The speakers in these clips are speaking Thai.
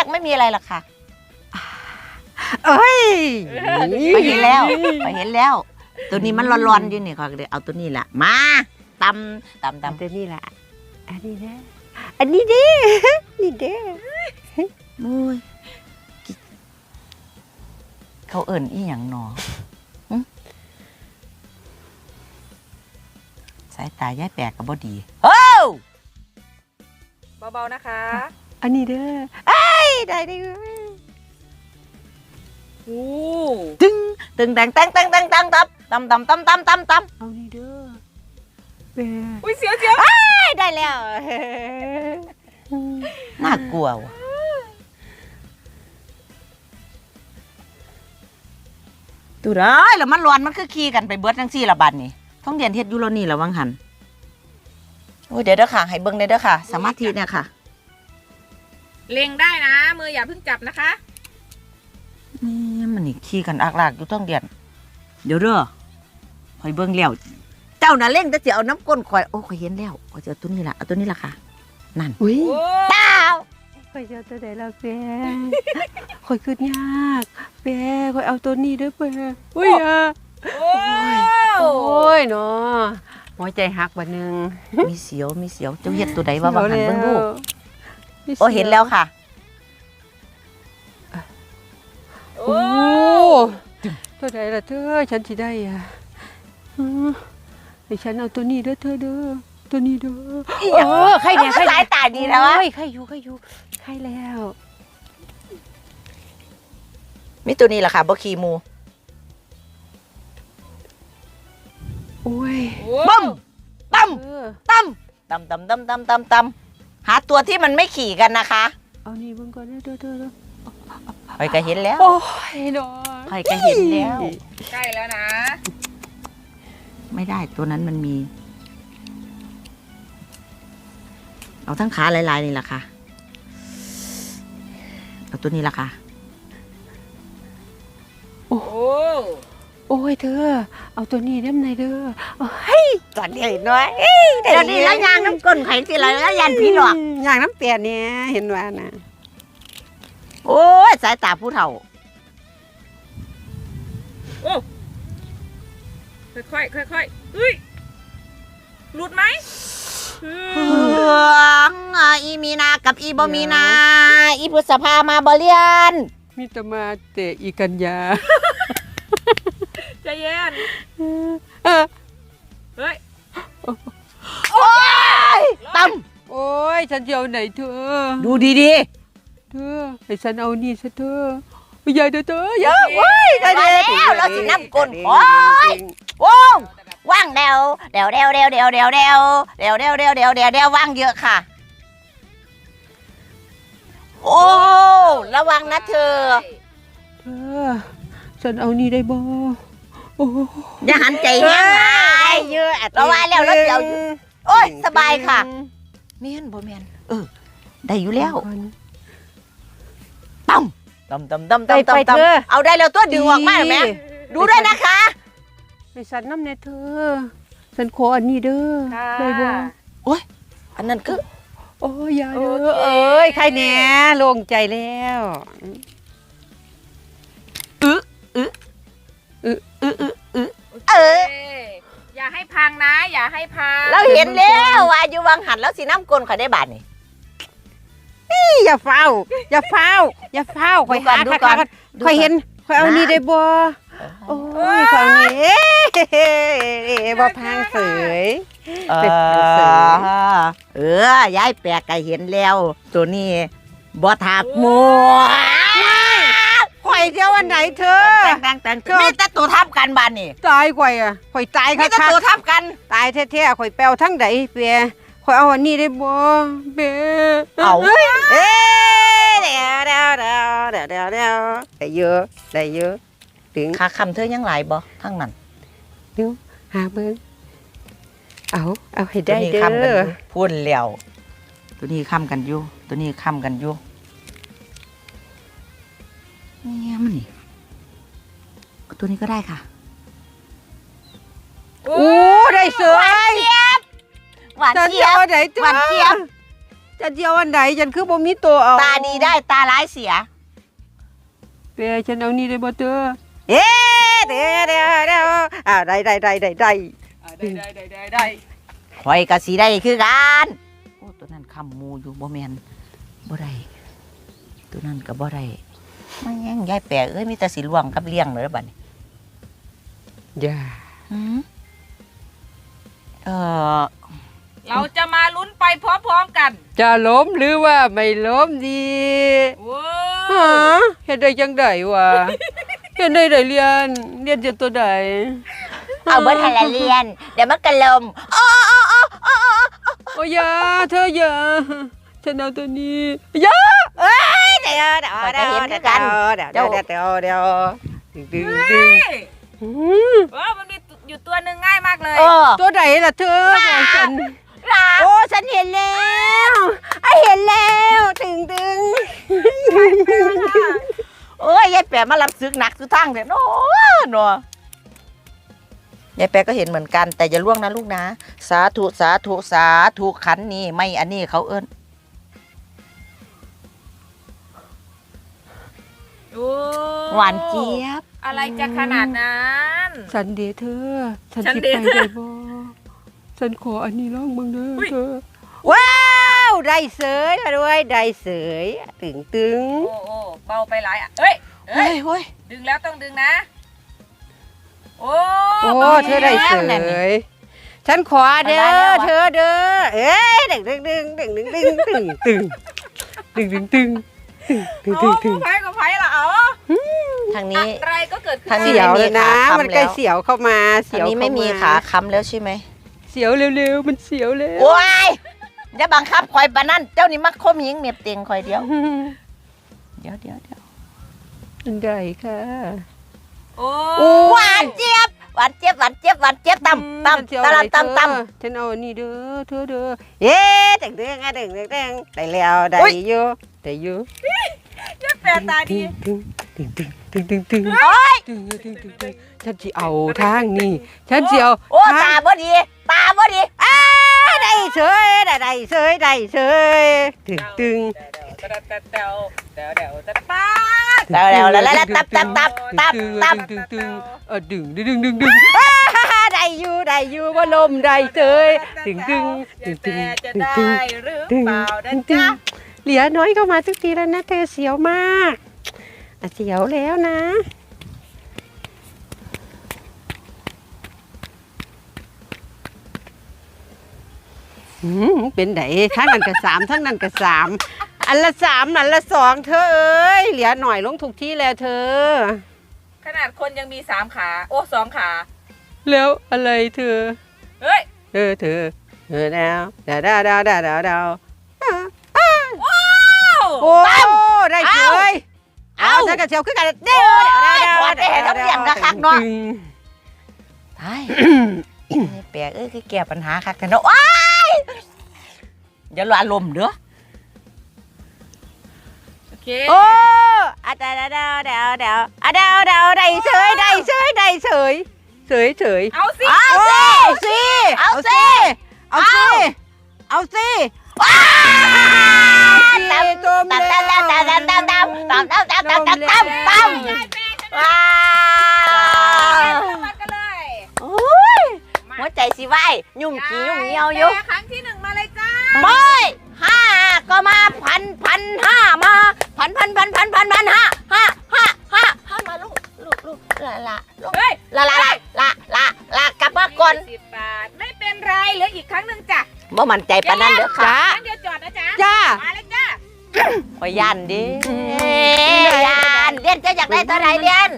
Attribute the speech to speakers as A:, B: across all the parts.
A: ไม่มีอะไรหรอกค่ะ
B: เอ้ย
A: ไปเห็นแล้วตัวนี้มันร้อนๆอยู่นี่ค่ะเดี๋ยวเอาตัวนี้แหละมาตำ
B: ตัวนี้แหละอันนี้เด้อันนี้เด้นี่เด้
A: มุ้ยเขาเอิ่นอีหยังหนอสายตายายแปลกกับบ่ดีเฮ้ย
C: เบาๆนะคะ
B: อันนี้เด้อไอ้ได้ดิ
C: โอ้
A: ตึงแตงตำ
B: เอานี่เด้อแม่
C: อุ้ยเสียว
B: ได้แล้ว
A: น่ากลัวว่ะดูได้แล้วมันร้อนมันคือขี่กันไปเบิดจังซี่ละบัดนี่ท้องเรียนเฮ็ดอยู่แล้วนี่ละวังหันโอ้ยเดี๋ยวเด้อค่ะให้เบิ่งได้เด้อค่ะสมาธิเนี่ยค่ะ
C: เล็งได้นะ มืออย่าเพิ่งจับนะคะ
A: นี่มันนี่ขี่กันอักลากอยู่ท้องเรียนเดี๋ยวเด้อข่อยเบิ่งแล้วเจ้าน่ะเล่นแต่สิเอาน้ำก้นข่อยโอ้ข่อยเห็นแล้วข่อยจะเอาตัวนี้ล่ะเอาตัวนี้ล่ะค่ะนั่น
B: อุ้ย
C: โอ้
A: เต้า
B: ข่อยจะเอาตัวไหนล่ะแม่ข่อยคืดยากแม่ข่อยเอาตัวนี้เด้อแม่อุ้ยอ่ะ
C: โอ้
B: โอ้ยเนาะหัวใจหักบัดนึง
A: มีเสียวเจ้าเฮ็ดตัวใดว่าบังหันเบิ่งดู
B: มีสียว
A: โอ้เห็นแล้วค่ะ
C: โอ้
B: โอ้ตัวไหนล่ะเธอฉันสิได้อ่ะให้ฉันเอาตัวนี้เด้อเธอเด้อตัวนี้เด้อใครเนี่ย
A: สายตาดีแล้ววะ
B: ใครอยู่ใครแล้ว
A: มีตัวนี้ล่ะค่ะบ่ขี่หมู
B: โอ้ย
A: บึ้มตั้ม
B: เออ
A: ตั้มหาตัวที่มันไม่ขี่กันนะคะ
B: เอานี่เบิ่งก่อนเด้อเธอ
A: ข่อยก็เห็นแล้ว
B: โอ้ยเนาะ
A: ข่อยก็เห็นแล้ว
C: ใกล้แล้วนะ
A: ไม่ได้ตัวนั้นมันมี เอาทั้งขาลายๆนี่ล่ะค่ะเอาตัวนี้ล่ะค่ะ
C: โอ้
B: โอ้ยเธอ เอาตัวนี้น้ำในเด้อโอ้ยจัดใหญ่น้อย
A: เดี๋ยวนี้แล้วยางน้ำก้นไข่สิไรแล้วยันพี่หลอก
B: อย่างน้ำเปียเนี่ยเห็นว่านะ
A: โอ้ยสายตาผู้เฒ่า
C: โอ้ค่อยๆเฮ้ยหลุดไหม
A: เฮืองอีมีนากับอีบมีนา อีพฤษภามาบเรียน
B: มีแตมาเตะอีกันยา
C: ใจเย็น เฮ้ย
A: โอ้ยตั้ม
B: โอ้ยฉันจะเอาไหนเธอ
A: ดูดี
B: เธอให้ฉันเอานี่ซะเธอไม่ใหญ่เธออย่า
C: โอเค
B: ว้าย
A: มาแล้วเราสิน้ำก้นโอ้ยโอ้งว่างเดวว่างเยอะค่ะ โอ้ระวังนะเธอ
B: เธอฉันเอานี่ได้บ่โอ้
A: อย่าหันใจแห้งหลาย
B: เยอะ
A: เราว่าแล้วเราเดี๋ยว โอ้ยสบายค่ะเมียนบ่เมียนได้อยู่แล้วตั้มเอาได้แล้วตัวดึงออกมาไหมดูด้วยนะคะ
B: ให้ฉันน้ำเนี่ยเธอฉันขออันนี้เด้อได้บ่
A: อันนั้นคือ
B: โอ้ยอย่าเด้อเอ้ยใครแหน่โล่งใจแล้ว
C: โอเคอย่าให้พังนะ อย่าให้พัง
A: เราเห็นแล้วว่าอยู่วังหันแล้วสีน้ำกลนข่อยได้บาทนี่
B: อย่าเฝ้าคอยหา
A: ดูก่อน
B: คอยเห็นคอยเอานี่ได้บ่โอ้ยคอยเอานี่บ่พังเสย
A: ย้ายแปลกก็เห็นแล้ว ตัวนี้บ่ถักหมู
B: คอยเที่ยววันไหนเธอ
A: แต่งมีแต่ตัวทับกันบานนี่
B: ตายกว่าอ่ะคอยตาย
A: มี
B: ค่ะ
A: แต่ตัวทับกัน
B: ตายแท้ๆคอยแปลวทั้งใดเปียคอยเอาอันนี้ได้บ่เบ้
A: เอา
B: เดี๋ยวได้เยอะถึง
A: ขาคำเธอยังหลายบ่ทั้งนั้น
B: เดี๋ยวหาเบิ่งเอาให้ได้
A: ตัวนี้
B: เด้
A: ค้ำกันอ
B: อยู่
A: พูดแล้วตัวนี้ค้ำกันอยู่ตัวนี้ค้ำกันอยู่เนี่ยมันนี่ตัวนี้ก็ได้ค่ะ
B: โอ้ได้เสือ
A: หวาน
B: ฉัน
A: เจี๊
B: จะ
A: ยบ
B: เอาไหนเธอ
A: หวานเจี๊ยบ
B: จะเจียวอันใดฉันคือบ่มีตัวเอา
A: ตาดีได้ตาร้ายเสีย
B: แปรฉันเอานี่ได้บ่เด้อ
A: เอ๊ะเดี๋ยวได้
C: ได้
A: ข่อยก็สิได้คือกันโอ้ตัวนั้นคำมูอยู่บ่แม่นบ่ได้ตัวนั้นก็บ่ได้มาแย่งยายแปะเอ้ยมีแต่สิล่วงกับเลี้ยงเลยบัดนี้
B: อย่า
A: หืมเออ
C: เราจะมาลุ้นไปพร้อมๆกัน
B: จะล้มหรือว่าไม่ล้มดี
C: ว้า
B: ฮะเฮ็ดได้จังไดวะเฮ็ดได้เรียนจะตัวใด
A: เอาเบิดให้ละเรียน เดี๋ยวมันกระลม
B: โอ้ยอย่าเธออย่าฉันเอาตัวนี้อย่า
A: เอ้ยเดี๋ยว
B: ดึง
C: เฮ้ย
B: อืม
C: มันมีอยู่ตัวหนึ่งง่ายมากเลย
A: เออ
B: ตัวใดล่ะเธอบอกฉัน
A: โอ้ฉันเห็นแล้วเห็นแล้วตึงโอ้ยยายแปะมารับซึกหนักสุดทั้งเนี่ยโน่ยายแปะก็เห็นเหมือนกัน แต่อย่าล่วงนะลูกนะสาธุขันนี่ไม่อันนี้เขาเอิ้น
C: โอ้
A: หวานเจี๊ยบ
C: อะไรจะขนาดนั้น
B: สันเดย์เธอฉัน
C: ฉัน
B: สิ
C: เด
B: ไป
C: ย์เธอ
B: ได้บ่ฉันขออันนี้ลองเบิ่งเด้อเธอ
A: ว้าวได้เสยด้วยได้เสยตึง
C: โอ้เบาไปหลายอ่ะเฮ้ย
A: เฮ้ย
C: ดึงแล้วต้องดึงนะ โอ้
B: โอ้
C: บา
B: เธอได้เส
C: แล้ว
B: ยฉันขอเด้อเธอเด้อเอ้ยดึง
C: โอ้ผู้ภัยกับภัยละเอา
A: ทางนี้
C: อะไรก็เกิดขึ้น
A: ทางนี้
B: เสียวเลยนะ
A: ไม่มีขาค้ำ
B: มันใกล้
A: แล้ว
B: เสียวเข้ามา
A: อั
B: เสี
A: น
B: ยว
A: นี้ไม่มีขาค้ำแล้วใช่ไหม
B: เสียวเร็วๆมันเสียวแล้ว
A: โอ้ยอย่าบังคับคอยปะนั่นเจ้านี่มักคมยิงเมียบเตียงคอยเดียวเดี๋ยว
B: อันใดค่ะ
C: โอ้
A: หวานเจี๊ยบตำตำ
B: ฉันเอาอันนี้เด้อเธอเด้อเย้ดึงได้แล้วได้อยู่
C: ยแปดตาดี
B: ฉันสิเอาทางนี้ฉันสิเอา
A: โอ้ตาบ่ดี
B: ได้เฉยตึง
C: ป้า
A: แล้วตับ
B: ดึงได้อยู่ว่าลมได้เฉยตึง
C: จะได้หรือเปล่านะจ๊ะ
B: เหลือน้อยเข้ามาทุกทีแล้วนะเธอเสียวมากเสียวแล้วนะเป็นไหนทั้งนั้นก็3ทั้งนั้นก็3อันละ3อันละ2เธอเอ้ยเหลือหน่อยลงถูกที่แล้วเธอ
C: ขนาดคนยังมี3ขาโอ้2ขา
B: แล้วอะไรเธอ
C: เฮ้ย
B: เธอดาวโอ้ได้เฉยฉันก็เสียวขึ้นกันเด้อ
A: ใช่แปลกคือแก้ปัญหาคักแต่เนาะว้ายอย่าหลอารมณ์เด้อ
C: โอเค
B: โอ้ดาวได้เฉย
C: เอาสิ
A: เอาสิว้าวตำว้าว
C: มากันเลย
A: โอ้ยหัวใจสิไหวยุ่งขี้ยุ่งเหี่ยวอยู่
C: ครั้งที่1มาเลยจ้า
A: ไม่5ก็มาพันมาพันห้ามาลูกละกลับมาก่อน
C: 10 บาทไม่เป็นไรเหลืออีกครั้งหนึ่งจ้ะ
A: บ่มั่นใจปานนั้นเด้อค่ะ
C: ครั้งเดียวจอดนะจ๊ะ
B: จ้า
C: มาเลยจ้า
A: ข่อยยันดิยันเรียนจะอยากได้เท่าไหร่เรียน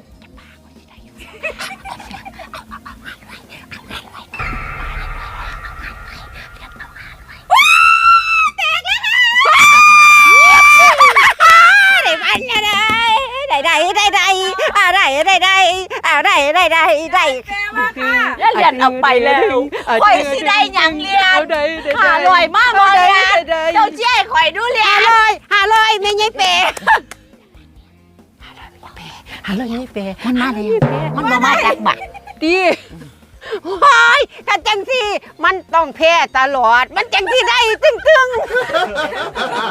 A: ได้
C: แปลว่าค่ะ
A: แล้วเรียนเอาไปแล้วข่อยสิได้หยังเรียน500มากบ่เรียนเจ้าเจ้ยข่อยดูเรียน
B: 500ไม่ใช่เป
A: 500นี่เปมันมาแล้วมันบ่มาจากบัก
B: ดีว้ายถ้าจังสิมันต้องแพ้ตลอด มันจังสิได้ตึง